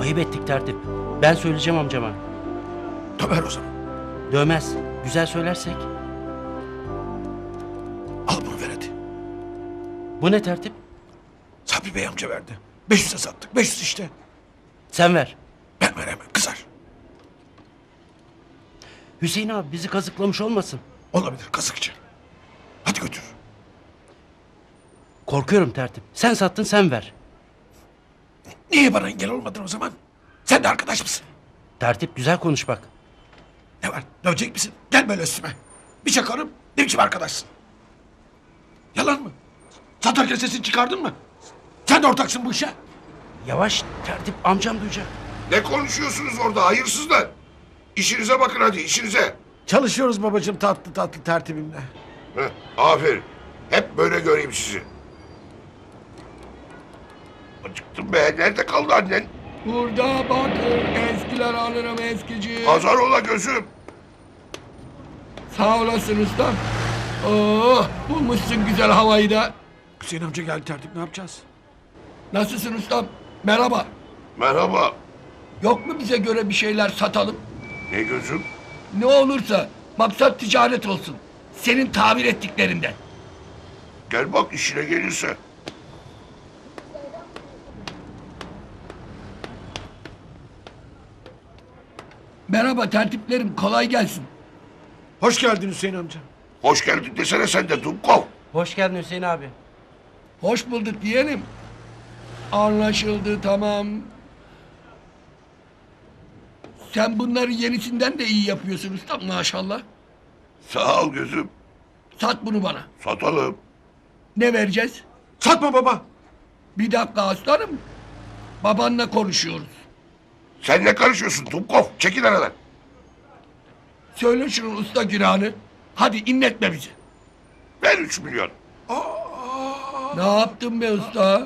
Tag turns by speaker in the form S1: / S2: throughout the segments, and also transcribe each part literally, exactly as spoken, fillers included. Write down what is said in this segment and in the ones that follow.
S1: Ayıp ettik tertip. Ben söyleyeceğim amcama.
S2: Döver o zaman.
S1: Dövmez. Güzel söylersek.
S2: Al bunu ver hadi.
S1: Bu ne tertip?
S2: Sabri Bey amca verdi. beş yüze sattık. beş yüz işte.
S1: Sen ver.
S2: Ben veremem kızar.
S1: Hüseyin abi bizi kazıklamış olmasın.
S2: Olabilir kazıkçı. Hadi götür.
S1: Korkuyorum tertip. Sen sattın sen ver.
S2: Niye bana engel olmadın o zaman? Sen de arkadaş mısın?
S1: Tertip güzel konuş bak.
S2: Ne var? Dövecek misin? Gel böyle üstüme. Bir çakarım. Ne biçim arkadaşsın? Yalan mı? Satarken sesini çıkardın mı? Sen de ortaksın bu işe.
S1: Yavaş tertip amcam duyacak.
S3: Ne konuşuyorsunuz orada hayırsızlar? İşinize bakın hadi işinize.
S2: Çalışıyoruz babacığım tatlı tatlı tertibimle.
S3: Heh, aferin. Hep böyle göreyim sizi. Acıktım be. Nerede kaldı annen?
S4: Burada bak eskiler alırım eskici.
S3: Pazar ola gözüm.
S4: Sağ olasın ustam. Oh bulmuşsun güzel havayı da.
S2: Hüseyin amca geldi tertip ne yapacağız?
S4: Nasılsın ustam? Merhaba.
S3: Merhaba.
S4: Yok mu bize göre bir şeyler satalım?
S3: Ne gözüm?
S4: Ne olursa maksat ticaret olsun. Senin tabir ettiklerinden.
S3: Gel bak işine gelirse.
S4: Merhaba tertiplerim kolay gelsin.
S2: Hoş geldin Hüseyin amca.
S3: Hoş geldin desene sen de Dumkov.
S1: Hoş geldin Hüseyin abi.
S4: Hoş bulduk yeğenim. Anlaşıldı tamam. Sen bunları yenisinden de iyi yapıyorsun ustam maşallah.
S3: Sağ ol gözüm.
S4: Sat bunu bana.
S3: Satalım.
S4: Ne vereceğiz?
S2: Satma baba.
S4: Bir dakika aslanım. Babanla konuşuyoruz.
S3: Sen ne karışıyorsun Dumkov? Çekil aradan.
S4: Söyle şunun usta günahını. Hadi inletme bizi.
S3: Ver üç milyon.
S4: Ne yaptın be usta?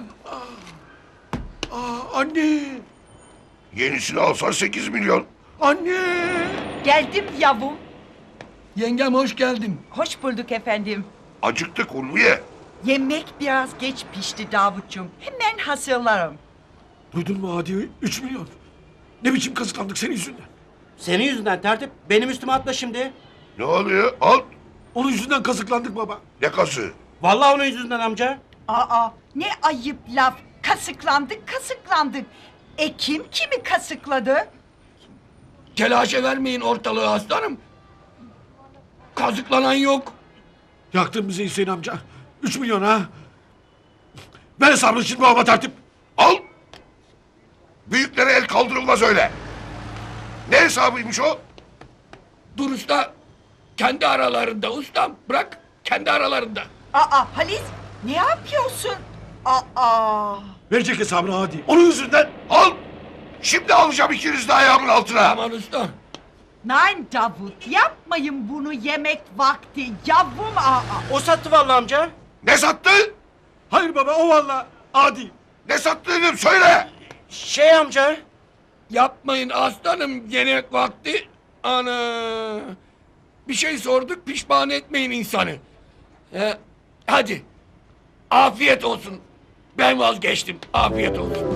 S2: Aa, anne.
S3: Yenisini alsan sekiz milyon.
S2: Anne.
S5: Geldim yavrum.
S4: Yengem hoş geldin.
S5: Hoş bulduk efendim.
S3: Acıktık Ulviye.
S5: Yemek biraz geç pişti Davutcuğum. Hemen hazırlarım.
S2: Duydun mu Adi? Üç milyon. Ne biçim kazıklandık senin yüzünden.
S1: Senin yüzünden tertip. Benim üstüme atla şimdi.
S3: Ne oluyor? Al.
S2: Onun yüzünden kazıklandık baba.
S3: Ne kası?
S1: Vallahi onun yüzünden amca.
S5: Aa ne ayıp laf. Kasıklandık kasıklandık. E kim kimi kasıkladı?
S4: Telaşa vermeyin ortalığı aslanım. Kazıklanan yok.
S2: Yaktın bizi Hüseyin amca. Üç milyon ha. Ver hesabını şimdi babama tertip.
S3: Al. Büyüklere el kaldırılmaz öyle. Ne hesabıymış o?
S4: Dur usta. Kendi aralarında ustam. Bırak kendi aralarında.
S5: Aa Halis ne yapıyorsun? Aa.
S2: Verecek hesabını Adi. Onun yüzünden.
S3: Al. Şimdi alacağım ikiniz de ayağımın altına.
S4: Aman usta.
S5: Nein Davut yapmayın bunu yemek vakti. Yavrum aa.
S1: O sattı vallahi amca.
S3: Ne sattı?
S2: Hayır baba o valla. Adi.
S3: Ne sattı dedim söyle.
S1: Şey amca.
S4: Yapmayın aslanım yemek vakti. Ana. Bir şey sorduk pişman etmeyin insanı. He, hadi. Afiyet olsun. Ben vazgeçtim. Afiyet olsun.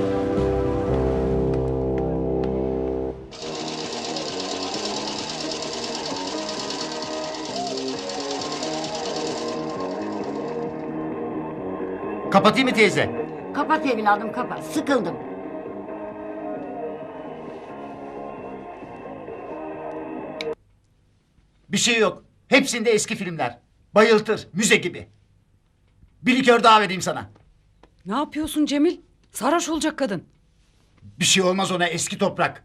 S6: Kapatayım mı teyze?
S7: Kapat evladım kapat. Sıkıldım.
S6: Bir şey yok. Hepsinde eski filmler. Bayıltır, müze gibi. Bir likör daha vereyim sana.
S8: Ne yapıyorsun Cemil? Sarhoş olacak kadın.
S6: Bir şey olmaz ona, eski toprak.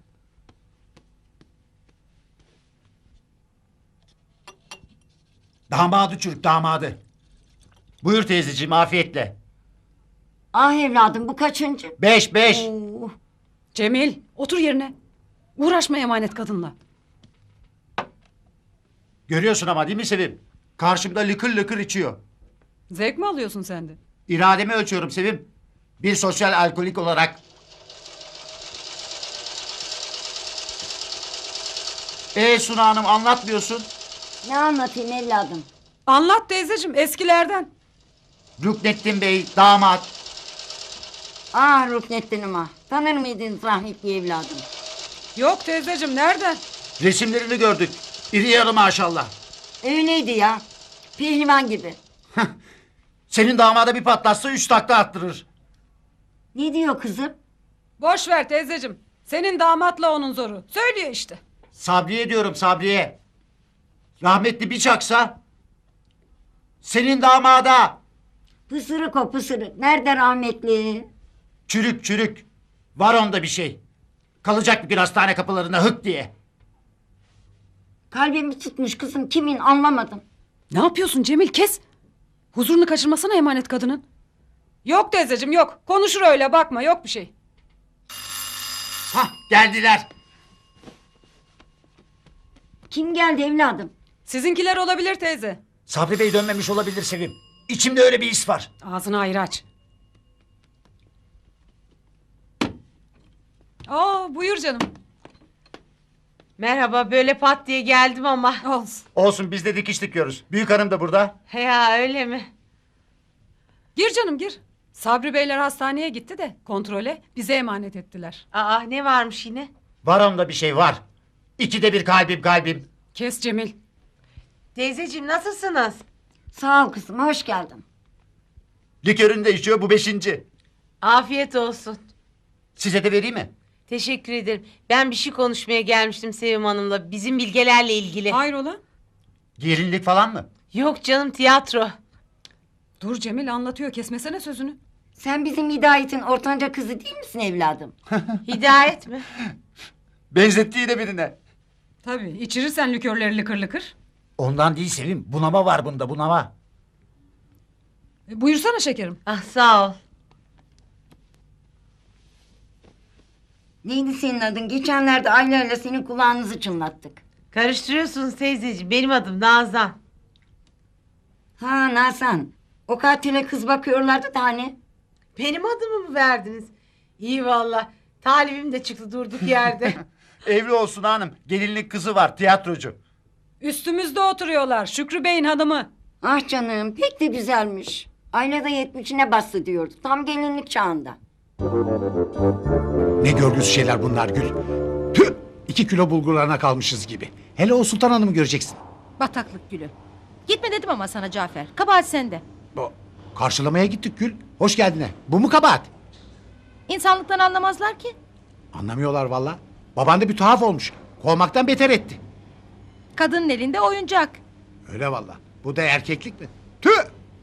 S6: Damadı çürük, damadı. Buyur teyzeciğim, afiyetle.
S7: Ah evladım bu kaçıncı?
S6: Beş, beş.
S7: Oo,
S8: Cemil otur yerine. Uğraşma emanet kadınla.
S6: Görüyorsun ama değil mi Sevim? Karşımda lıkır lıkır içiyor.
S8: Zevk mi alıyorsun sen de?
S6: İrademi ölçüyorum Sevim. Bir sosyal alkolik olarak. Ee Suna Hanım anlatmıyorsun.
S7: ne anlatayım evladım?
S8: Anlat teyzeciğim eskilerden.
S6: Rüknettin Bey, damat.
S7: Ah Ruknettin'im ah. Tanır mıydın rahmetli evladım?
S8: Yok teyzeciğim nereden?
S6: Resimlerini gördük. İri yarı maşallah.
S7: Öyleydi ya. Pehlivan gibi.
S6: Senin damada bir patlatsa üç takla attırır.
S7: Ne diyor kızım?
S8: Boş ver teyzeciğim. Senin damatla onun zoru. Söylüyor işte.
S6: Sabriye diyorum Sabriye. Rahmetli bir çaksa. Senin damada.
S7: Pısırık o pısırık. Nerede rahmetli?
S6: Çürük çürük. Var onda bir şey. Kalacak bir gün hastane kapılarında hık diye.
S7: Kalbimi tutmuş kızım. Kimin anlamadım.
S8: Ne yapıyorsun Cemil kes. Huzurunu kaçırmasana emanet kadının. Yok teyzeciğim yok. Konuşur öyle bakma yok bir şey.
S6: Hah geldiler.
S7: Kim geldi evladım?
S8: Sizinkiler olabilir teyze.
S6: Sabri Bey dönmemiş olabilir Sevim. İçimde öyle bir his var.
S8: Ağzını ayrı aç. Aa buyur canım.
S9: Merhaba, böyle pat diye geldim ama.
S8: Olsun.
S6: Olsun biz de dikiş dikiyoruz. Büyük hanım da burada.
S9: Ya öyle mi?
S8: Gir canım gir. Sabri Beyler hastaneye gitti de kontrole bize emanet ettiler.
S9: Aa, ne varmış yine?
S6: Var onda bir şey var. İkide bir kalbim kalbim.
S8: Kes Cemil.
S9: Teyzeciğim nasılsınız?
S7: Sağ ol kızım hoş geldin.
S6: Likörünü de içiyor bu beşinci.
S9: Afiyet olsun.
S6: Size de vereyim mi?
S9: Teşekkür ederim. Ben bir şey konuşmaya gelmiştim Sevim Hanım'la. Bizim bilgelerle ilgili.
S8: Hayrola?
S6: Gelinlik falan mı?
S9: Yok canım, tiyatro.
S8: Dur Cemil anlatıyor kesmesene sözünü.
S7: Sen bizim Hidayet'in ortanca kızı değil misin evladım?
S9: Hidayet mi?
S6: Benzettiği de birine.
S8: Tabii içirirsen likörleri lıkır lıkır.
S6: Ondan değil Sevim. Bunama var bunda bunama.
S8: E, buyursana şekerim.
S9: Ah, sağ ol.
S7: Neydi senin adın? Geçenlerde Ayla'yla senin kulağınızı çınlattık.
S9: Karıştırıyorsunuz teyzeciğim. Benim adım Nazan.
S7: Ha Nazan. O katile kız bakıyorlardı da hani.
S9: Benim adımı mı verdiniz? İyi valla. Talibim de çıktı durduk yerde.
S6: Evli olsun hanım. Gelinlik kızı var tiyatrocu.
S8: Üstümüzde oturuyorlar Şükrü Bey'in hanımı.
S7: Ah canım pek de güzelmiş. Ayla da yetmişine bastı diyordu. Tam gelinlik çağında.
S2: Ne görgüsüz şeyler bunlar Gül. Tüh! İki kilo bulgurlarına kalmışız gibi. Hele o Sultan Hanım'ı göreceksin.
S10: Bataklık gülü. Gitme dedim ama sana Cafer. Kabahat sende.
S2: O, karşılamaya gittik Gül. Hoş geldine. Bu mu kabahat?
S10: İnsanlıktan anlamazlar ki.
S2: Anlamıyorlar valla. Baban da bir tuhaf olmuş. Kovmaktan beter etti.
S10: Kadının elinde oyuncak.
S2: Öyle valla. Bu da erkeklik mi? Tüh!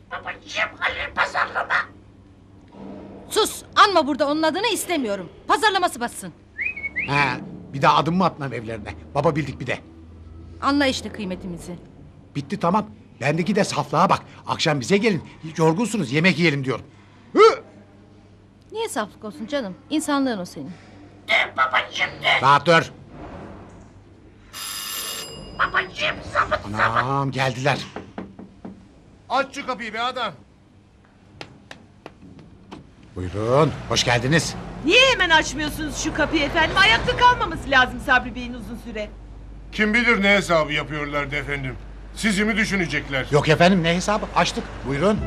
S10: Sus, anma burada onun adını istemiyorum. Pazarlaması bassın.
S2: He, bir daha adım mı atmam evlerine? Baba bildik bir de.
S10: Anla işte kıymetimizi.
S2: Bitti tamam. Bendeki de saflığa bak. Akşam bize gelin. Yorgunsunuz yemek yiyelim diyorum. Hı!
S10: Niye saflık olsun canım? İnsanlığın o senin.
S2: Rahat dur. Anam geldiler.
S3: Aç şu kapıyı be adam.
S2: Buyurun. Hoş geldiniz.
S9: Niye hemen açmıyorsunuz şu kapıyı efendim? Ayakta kalmaması lazım Sabri Bey'in uzun süre.
S3: Kim bilir ne hesabı yapıyorlardı efendim. Sizi mi düşünecekler?
S2: Yok efendim ne hesabı? Açtık. Buyurun.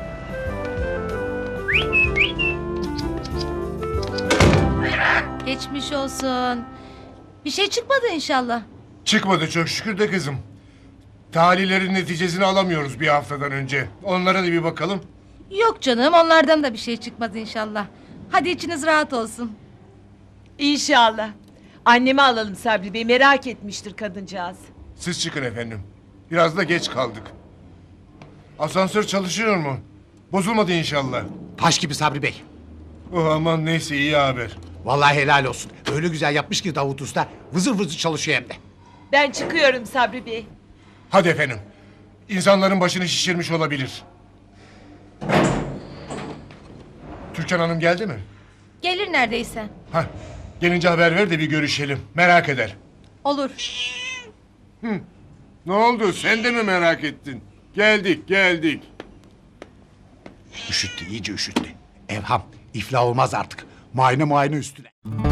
S10: Geçmiş olsun. Bir şey çıkmadı inşallah.
S3: Çıkmadı çok şükür de kızım. Talihlerin neticesini alamıyoruz bir haftadan önce. Onlara da bir bakalım.
S10: Yok canım, onlardan da bir şey çıkmadı inşallah. Hadi içiniz rahat olsun.
S9: İnşallah. Annemi alalım Sabri Bey, merak etmiştir kadıncağız.
S3: Siz çıkın efendim. Biraz da geç kaldık. Asansör çalışıyor mu? Bozulmadı inşallah.
S2: Taş gibi Sabri Bey.
S3: Oh aman neyse iyi haber.
S2: Vallahi helal olsun. Öyle güzel yapmış ki Davut Usta. Vızır vızır çalışıyor hem de.
S9: Ben çıkıyorum Sabri Bey.
S3: Hadi efendim. İnsanların başını şişirmiş olabilir. Türkan Hanım geldi mi?
S10: Gelir neredeyse.
S3: Hah. Gelince haber ver de bir görüşelim. Merak eder.
S10: Olur.
S3: Ne oldu? Sen de mi merak ettin? Geldik, geldik.
S2: Üşüttü, iyice üşüttü. Evham, iflah olmaz artık. Muayene muayene üstüne.